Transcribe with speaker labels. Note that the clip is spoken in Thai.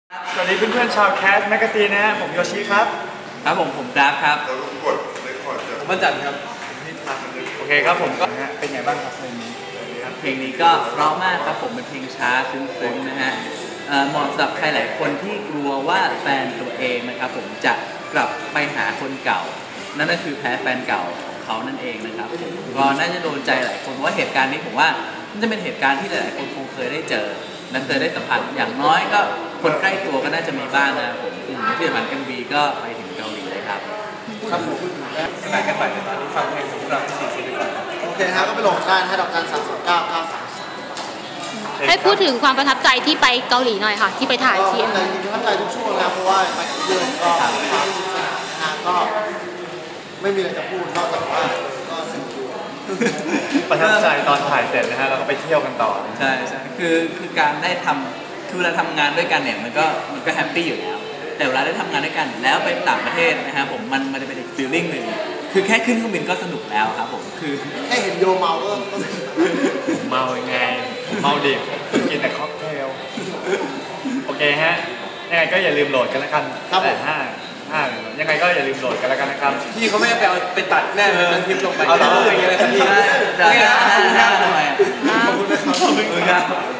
Speaker 1: สวัสดีเพื่อนๆชาวแคสแมกกาซีนนะฮะผมโยชิครับ
Speaker 2: ครับผมดราฟครับ
Speaker 3: เรากดเลคคอร์ด
Speaker 1: ผมจันครับโอเคครับผมก็เป็นไงบ้างครับเพลงนี้
Speaker 2: เพลงนี้ก็เพราะมากครับผมเป็นเพลงช้าซึ้งๆนะฮะเหมาะสำหรับใครหลายคนที่กลัวว่าแฟนตัวเองนะครับผมจะกลับไปหาคนเก่านั่นก็คือแพ้แฟนเก่าของเขานั่นเองนะครับก็น่าจะโดนใจหลายคนเพราะว่าเหตุการณ์นี้ผมว่ามันจะเป็นเหตุการณ์ที่หลายๆคนคงเคยได้เจอและเคยได้สัมผัสอย่างน้อยก็คนใกล้ตัวก็น่าจะมีบ้างนะครับผมที่สำคัญMVก็ไปถึงเกาหลีเลยครับ
Speaker 1: ครับผมสนานกันไปแต่ตอนนี้ฟังเพลงของเราที่4ดีกว่า
Speaker 4: โอเคฮะก็ไปโหลดได้ให้ดอกจัน329 933
Speaker 5: ให้พูดถึงความประทับใจที่ไปเกาหลีหน่อยค่ะที่ไปถ่ายที่
Speaker 4: จริงๆประทับใจทุกช่วงแล้วเพราะว่าไปเดือนก็ก็ไม่มีอะไรจะพูดนอกจากว่าก็สนุกอยู่
Speaker 1: ประทับใจตอนถ่ายเสร็จนะฮะเราก็ไปเที่ยวกันต่อ
Speaker 2: ใช่ใช่คือการได้ทำคือเวลาทำงานด้วยกันเนี่ยมันก็แฮปปี้อยู่แล้วแต่เวลาได้ทำงานด้วยกันแล้วไปต่างประเทศนะครับผมมันจะเป็นอีกฟีลลิ่งหนึ่งคือแค่ขึ้นเครื่องบินก็สนุกแล้วครับผมคือ
Speaker 4: แค่เห็นโยเมาก็
Speaker 1: เมายังไงเมาดิบกินแต่ค็อกเทลโอเคฮะยังไงก็อย่าลืมโหลดกันแล้วกันแต่ยังไงก็อย่าลืมโหลดกันแล้วกันนะครับ
Speaker 2: พี่เขาไม่ไปตัดแน่เลยมันทิปลงไป
Speaker 1: เอาอย่างเงี้ยเลยครับพี่
Speaker 2: ได้ขอบคุณนะครับ